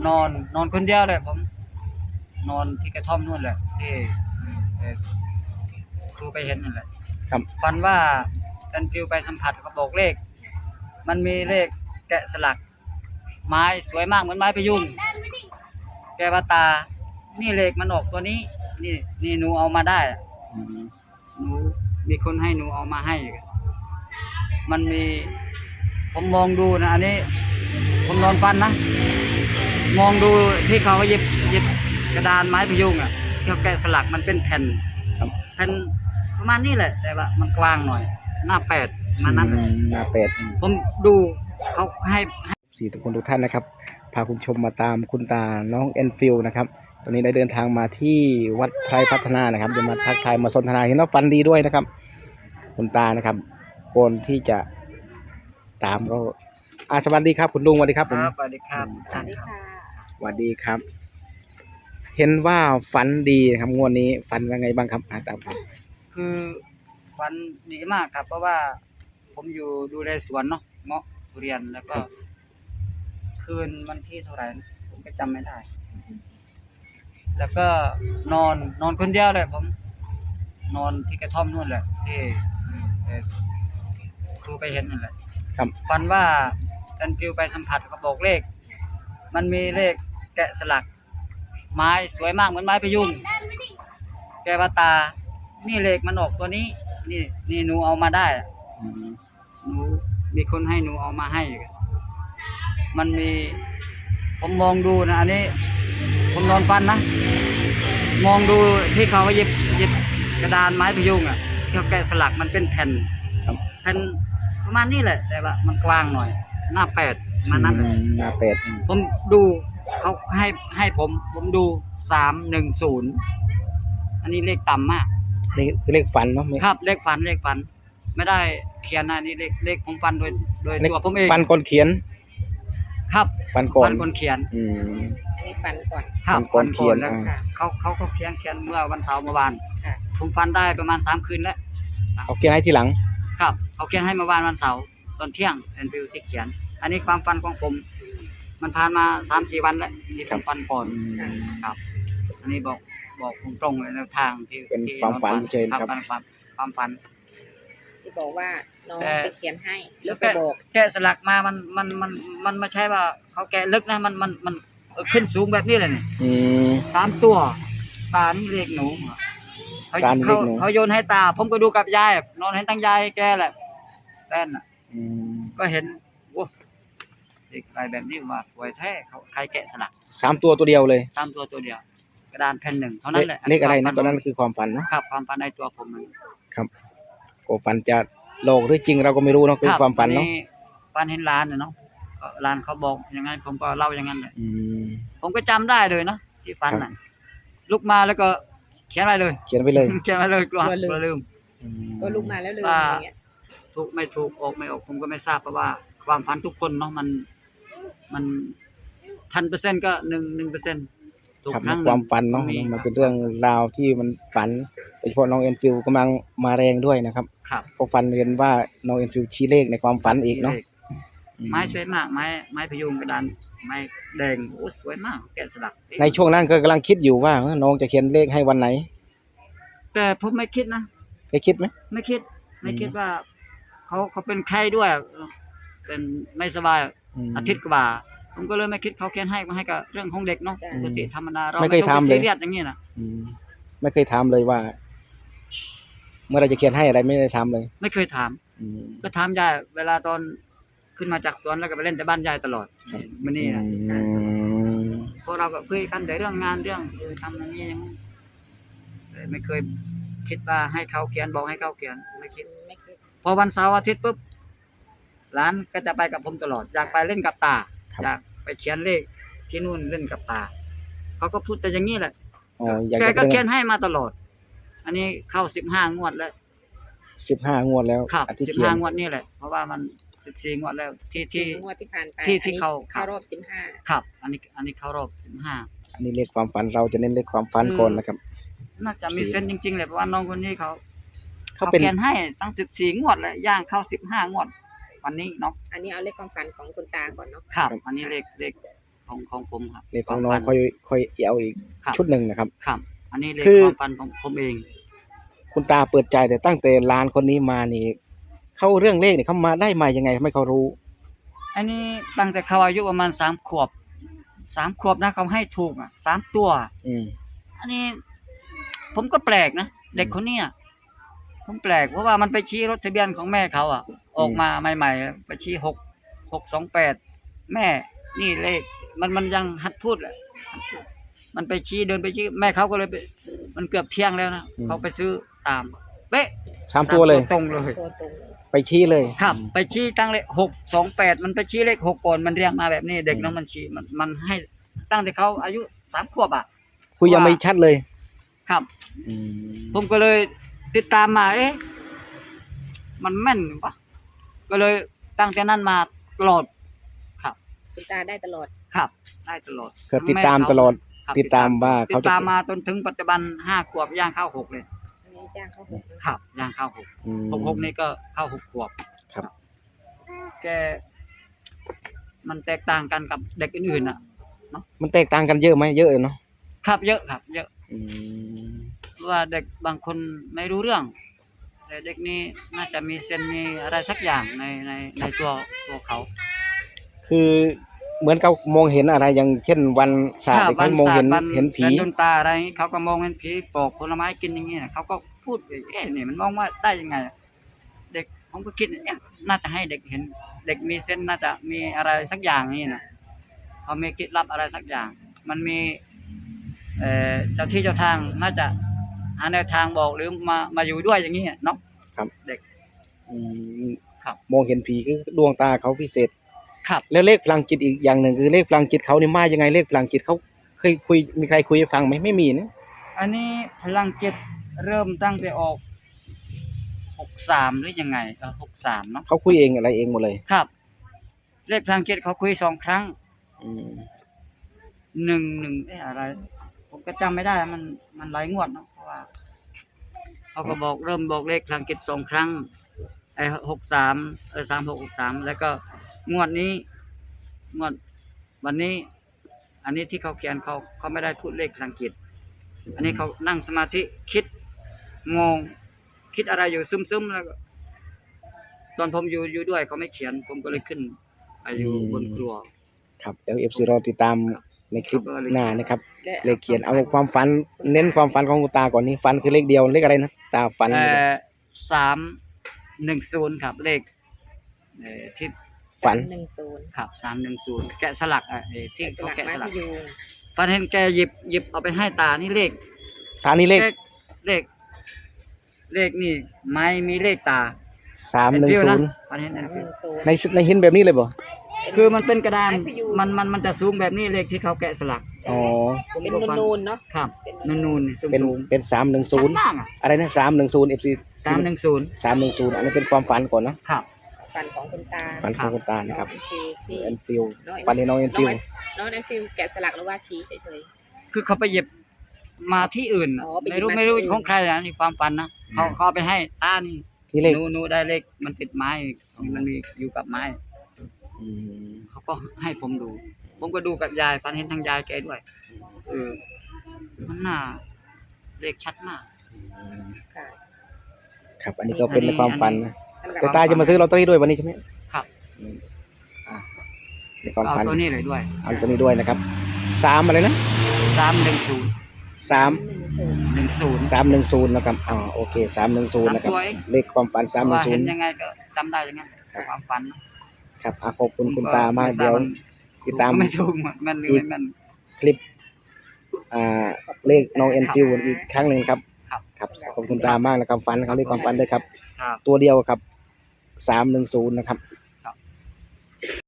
นอนคนเดียวเลยผมนอนที่กระท่อมนู่นแหละที่เอ่อครูไปเห็นนั่นแหละครับฝันว่าแอนฟิวไปสัมผัสเขาบอกเลข มันมีเลขแกะสลัก ไม้สวยมากเหมือนไม้พะยุงแกว่าตา นี่เลขมันออกตัวนี้ นี่หนูเอามาได้อะอืมหนูมีคนให้หนูเอามาให้ มันมี ผมมองดูนะอันนี้ ผมนอนฝันนะ มองดูที่เขาหยิบกระดานไม้พะยุงอ่ะที่เขาแกะสลักมันเป็นแผ่นครับแผ่นประมาณนี้แหละ แต่ว่ามันกว้างหน่อย หน้า8มันนั้นแหละหน้าเป็ดผมดูเขาให้สี่ทุกคนทุกท่านนะครับพาคุณชมมาตามคุณตาน้องแอนฟิลนะครับตอนนี้ได้เดินทางมาที่วัดไพรพัฒนานะครับจะมาทักทายมาสนทนาเห็นว่าฟันดีด้วยนะครับคุณตานะครับก่อนที่จะตามก็สวัสดีครับคุณลุงสวัสดีครับคผมรับสวัสดีครับสวัสดีค่ะสวัสดีครับ เห็นว่าฟันดีครับงวดนี้ฟันว่าไงบ้างครับตามครับคือฝันดีมากครับ เพราะว่าผมอยู่ดูแลสวนเนาะเงาะทุเรียนแล้วก็ คืนวันที่เท่าไหร่นะผมก็จำไม่ได้ แล้วก็นอนคนเดียวเลยผม นอนที่กระท่อมนู่นแหละที่เอ่อครูไปเห็นนั่นแหละครับฝันว่าแอนฟิวไปสัมผัสเขาบอกเลข มันมีเลขแกะสลัก ไม้สวยมากเหมือนไม้พะยุงแกว่าตา นี่เลขมันออกตัวนี้ นี่หนูเอามาได้อะอืมหนูมีคนให้หนูเอามาให้ มันมี ผมมองดูนะอันนี้ ผมนอนฝันนะ มองดูที่เขาหยิบกระดานไม้พะยุงอ่ะที่เขาแกะสลักมันเป็นแผ่นครับแผ่นประมาณนี้แหละ แต่ว่ามันกว้างหน่อย หน้า8มันนั้นแหละหน้าเป็ดผมดูเขาให้ผมดู310อันนี้เลขต่ำมากนี่คือเลขฟันเนาะไม่ครับเลขฝันไม่ได้เขียนนะนี่เลขผมฝันโดยเลขตัวผมเองฟันก่อนเขียนครับฟันก่อนฝันคนเขียนอืมมีฟันก่อนครับฝันก่อนเขียนแล้วค่ะเขาก็เขียนเมื่อวันเสาร์เมื่อวานค่ะผมฝันได้ประมาณ3คืนแล้วเขาเขียนให้ทีหลังครับเขาเขียนให้เมื่อวานวันเสาร์ตอนเที่ยงเป็นวิวที่เขียน อันนี้ความฝันของผม มันผ่านมา 3-4 วันแล้วที่ผมฝันก่อน ครับ อันนี้บอกตรงๆเลยแนวทางที่เป็นที่ความฝันเฉยๆคครัรับ บความฝันที่บอกว่าน้องแต่ไปเขียนให้แล้วไปบอกแกะสลักมามันไม่ใช่ว่าเขาแกะลึกนะมันขึ้นสูงแบบนี้เลยนี่อืม 3 ตัวตานี่เรียกหนูเขาตานี่เรียกหนูเขาโยนให้ตา ผมก็ดูกับยายนอนเห็นตั้งยายแกแหละแฟนน่ะอืมก็เห็นโอ้เด็กอะไรแบบนี้ว่าสวยแท้เขาใครแกะสลัก 3 ตัวเดียวเลย 3 ตัวเดียว กระดานแผ่นหนึ่งเท่านั้นแหละเลขอะไรนะความตอนนั้นคือความฝันเนาะครับความฝันในตัวผมมันครับก็ฝันจะโลกหรือจริงเราก็ไม่รู้เนาะคือรับความฝันเนาะฝันเห็นร้านเนาะก็ร้านเขาบอกอย่างนั้นผมก็เล่าอย่างนั้นแหละอืมผมก็จำได้เลยเนาะที่ฝันครัน่ะบลุกมาแล้วก็เขียนไว้เลยเขียนไปเลยเขียนไว้เลยกลัวลืมอืมก็ลุกมาแล้วเลยว่าอย่างเงี้ยถูกไม่ถูกออกไม่ออกผมก็ไม่ทราบเพราะว่าความฝันทุกคนเนาะมัน1,000%ก็1%ถูกครับครั้งหนึ่งความฝันเนาะมีมันเป็นเรื่องราวที่มันฝันโดยเฉพาะน้องเอ็นฟิลกำลังมาแรงด้วยนะครับครับก็ฝันเห็นว่าน้องเอ็นฟิลชี้เลขในความฝันอีกเนาะอืมไม้สวยมากไม้พยุงกระดานไม้แดงโอ้สวยมากแกะสลักในช่วงนั้นก็กำลังคิดอยู่ว่าน้องจะเขียนเลขให้วันไหนแต่ผมไม่คิดนะเคยคิดไหมไม่คิดว่าเขาเป็นไข้ด้วย เป็นไม่สบาย อาทิตย์กว่าผมก็เลยไม่คิดเขาเขียนให้มาให้กับเรื่องของเด็กเนาะปกติธรรมดาเราไม่เคยทำเลยซีเรียสอย่างนี้นะอืมไม่เคยถามเลยว่า เมื่อไรจะเขียนให้อะไรไม่ได้ถามเลยไม่เคยถามอืมก็ถามยายเวลาตอนขึ้นมาจากสวนแล้วก็ไปเล่นแต่บ้านยายตลอดครับมันนี่นะอืมพวกเราก็คุยกันแต่เรื่องงานเรื่องทำอย่างนี้อย่างนี้แต่ไม่เคยคิดว่าให้เขาเขียนบอกให้เขาเขียนไม่คิดไม่คิดพอวันเสาร์อาทิตย์ปุ๊บร้านก็จะไปกับผมตลอดอยากไปเล่นกับตาอยากไปเขียนเลขที่นู่นเล่นกับตาเขาก็พูดแต่อย่างนี้แหละอ๋ออยากแกจะก็เขีเขียยนให้มาตลอด อันนี้เข้า15 งวดแล้ว 15 งวดแล้วครับอาทิตย์เขียน 15 งวดนี่แหละเพราะว่ามัน14 งวดแล้วที่งวดที่ผ่านไปที่อันนี้เขาเข้ารอบ15 ครับ อันนี้เข้ารอบ15 อันนี้เลขความฝันเราจะเน้นเลขความฝันก่อนนะครับน่าจะมีเซนส์จริงๆเลยเพราะว่าน้องคนนี้เขาเขาเป็นเขียนให้ตั้ง14 งวดแล้วย่างเข้า15 งวด วันนี้เนาะอันนี้เอาเลขความฝันของคุณตาก่อนเนาะครับ อันนี้เลขผของผมครับเลขของน้องวามค่ฝัอยเอาอีกครับชุดหนึ่งนะครับครับ อันนี้เลขคือความฝันของผมเองคุณตาเปิดใจแต่ตั้งแต่หลานคนนี้มานี่เขาเรื่องเลขเนี่ยเขามาได้มายังไงทำไมเขารู้อันนี้ตั้งแต่เขาอายุประมาณ3 ขวบ3 ขวบนะเขาให้ถูก3 ตัวอืมอันนี้ผมก็แปลกนะเด็กคนเนี้ยผมแปลกเพราะว่ามันไปชี้รถทะเบียนของแม่เขาออกมาใหม่ๆไปชี้628แม่นี่เลขมันยังหัดพูดแหละมันไปชี้เดินไปชี้แม่เขาก็เลยไปมันเกือบเที่ยงแล้วนะเขาไปซื้อตามเป๊ะ 3 ตัวเลยตรงเลยตัวตรงไปชี้เลยครับไปชี้ตั้งเลข628มันไปชี้เลข6ก่อนมันเรียงมาแบบนี้เด็กน้องมันชี้มันให้ตั้งแต่เขาอายุ3 ขวบคุยยังไม่ชัดเลยครับอืมผมก็เลยติดตามมามันแม่นปะก็เลยตั้งแต่นั้นมาตลอดครับคุณตาได้ตลอดครับ ได้ตลอดก็ติดตามตลอดครับติดตามว่าติเขาดจะตามมาจนถึงปัจจุบัน5 ขวบย่างเข้า6เลยอันนี้จ้างเขาหกเลยครับย่างเข้า6 อืม 6นี่ก็เข้า6 ขวบครับแกมันแตกต่างกันกับเด็กอื่นๆมันแตกต่างกันเยอะไหมเยอะเนาะครับเยอะครับ เยอะอืมเพราะว่าเด็กบางคนไม่รู้เรื่อง แต่เด็กนี้น่าจะมีเซนมีอะไรสักอย่างในตัวเขาคือเหมือนเขามองเห็นอะไรอย่างเช่นวันศาสตร์เขามองเห็นวันเห็นผีดวงตาอะไรอย่างงี้เขาก็มองเห็นผีปอกผลไม้กินอย่างเงี้ยเขาก็พูดนี่มันมองว่าได้ยังไง เด็กผมก็คิดน่าจะให้เด็กเห็น เด็กมีเซนส์น่าจะมีอะไรสักอย่างนี่นะเขามีคิดลับอะไรสักอย่าง มันมีเจ้าที่เจ้าทางน่าจะหาแนวทางบอกหรือมาอยู่ด้วยอย่างนี้เนาะครับเด็กอืมครับมองเห็นผีคือดวงตาเขาพิเศษครับแล้วเลขพลังจิตอีกอย่างหนึ่งคือเลขพลังจิตเขานี่มายังไงเลขพลังจิตเขาเคยคุยมีใครคุยให้ฟังไหมไม่มีนะอันนี้พลังจิตเริ่มตั้งแต่ออก63หรือยังไง63เนาะเขาคุยเองอะไรเองหมดเลยครับ เลขพลังจิตเขาคุย2 ครั้งอืม 1อะไร ผมก็จำไม่ได้มันหลายงวดเนาะเพราะว่าเขาก็บอกเริ่มบอกเลขพลังจิต2 ครั้ง63 3663แล้วก็งวดนี้งวดวันนี้ อันนี้ที่เขาเขียนเขาไม่ได้พูดเลขพลังจิต อันนี้เขานั่งสมาธิคิดงงคิดอะไรอยู่ซึมๆแล้วก็ตอนผมอยู่ด้วยเขาไม่เขียน ผมก็เลยขึ้นไปอยู่บนครัวครับเดี๋ยวเอฟซีรอติดตามในคลิปหน้านะครับและเลขเขียนเอาความฝันเน้นความฝันของคุณตาก่อนนี่ฝันคือเลขเดียวเลขอะไรนะตาฝัน 310ครับเลขที่ฝัน 110 ครับ310แกะสลักที่สเขาลักแกะไม้สลัพกยุงฟันเห็นแกหยิบเอาไปให้ตานี่เลขตานี่เลขเลขนี่ไม้มีเลขตา 310 ฟันเห็นอันฟิว 110 ในหินแบบนี้เลยบ่คือมันเป็นกระดานไม้พยุงมันจะสูงแบบนี้เลขที่เขาแกะสลักอ๋อเป็นก็ฟันูนๆเนาะครับนูนๆสูงเป็นสูงเป็นชั้น 310 ล่างอะไรนะ310 FC 310 310อันนี้เป็นความฝันก่อนเนาะครับฝันของคุณตาฝันของคุณตานะครับที่แอนฟิลฝันในน้องแอนฟิลน้องแอนฟิลแกะสลักหรือว่าชี้เฉยคือเขาไปหยิบมาที่อื่นน่ะอ๋อไปหยิบไม่รู้มาที่อื่นของใครนะนี่ความฝันนะเขาเอาไปให้ตานี่นี่เลขหนูได้เลขมันติดไม้มันมีอยู่กับไม้อืมเขาก็ให้ผมดู ผมก็ดูกับยายฝันเห็นทางยายแกด้วยมันน่าเลขชัดมากๆค่ะครับอันนี้ก็เป็นในความฝันนะสำหรับแต่ตาจะมาซื้อลอตเตอรี่ด้วยวันนี้ใช่ไหมครับอืมอ่ะในความเอาฝันตัวนี้เลยด้วยเอาตัวนี้ด้วยนะครับ3อะไรนะ 310 3 10 310นะครับอ๋อโอเค310นะครับสวยเลขความฝันว่าเห็นยั 310 งไงก็จำได้อย่างนั้นความฝันครับขอบคุณคุณตามากเดี๋ยวติดตามไม่ถูกมันหรือไม่มันคลิปเลขน้องเอ็นฟิวอีกครั้งหนึ่งครับครับครับขอบคุณตามากนะครับฝันเขาเรียกความฝันด้วยครับครับตัวเดียวครับ310นะครับ